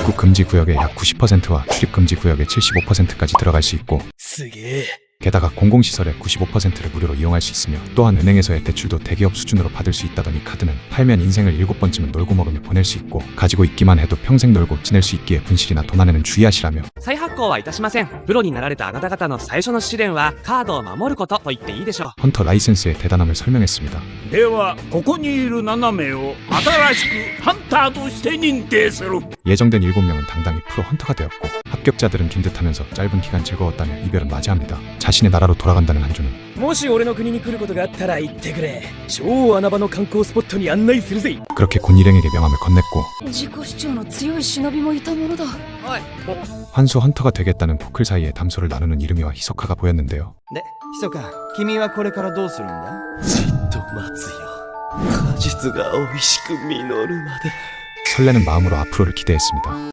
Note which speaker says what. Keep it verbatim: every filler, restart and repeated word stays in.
Speaker 1: 입국 금지 구역의 약 구십 퍼센트와 출입 금지 구역의 칠십오 퍼센트까지 들어갈 수 있고,
Speaker 2: すげえ
Speaker 1: 게다가 공공시설의 구십오 퍼센트를 무료로 이용할 수 있으며, 또한 은행에서의 대출도 대기업 수준으로 받을 수 있다더니 카드는 팔면 인생을 일곱 번쯤은 놀고 먹으며 보낼 수 있고, 가지고 있기만 해도 평생 놀고 지낼 수 있기에 분실이나 도난에는 주의하시라며.
Speaker 2: 再発行はいたしません。プロになられたあなた方の最初の試練はカードを守ることと言っていいでしょう。
Speaker 1: 헌터 라이센스의 대단함을 설명했습니다.
Speaker 3: ではここにいるなな名を新しくハンターとして認定する。
Speaker 1: 예정된 일곱 명은 당당히 프로 헌터가 되었고, 합격자들은 긴 듯하면서 짧은 기간 즐거웠다며 이별은 맞이합니다. 자신의 나라로 돌아간다는 한조는
Speaker 2: もし俺の国に来ることがあったら言ってくれ。超穴場の観光スポットに案内するぜ。
Speaker 1: 그렇게 군 일행에게 명함을 건넸고,
Speaker 4: 自己主張の強い忍びもいたものだ。
Speaker 2: おい。
Speaker 1: 환수 헌터가 되겠다는 포클 사이에 담소를 나누는 이름이와 히소카가 보였는데요.
Speaker 5: で、ひそか、君はこれからどうするんだ？
Speaker 2: じっと待つよ。果実が美味しく実るまで。
Speaker 1: 설레는 마음으로 앞으로를 기대했습니다.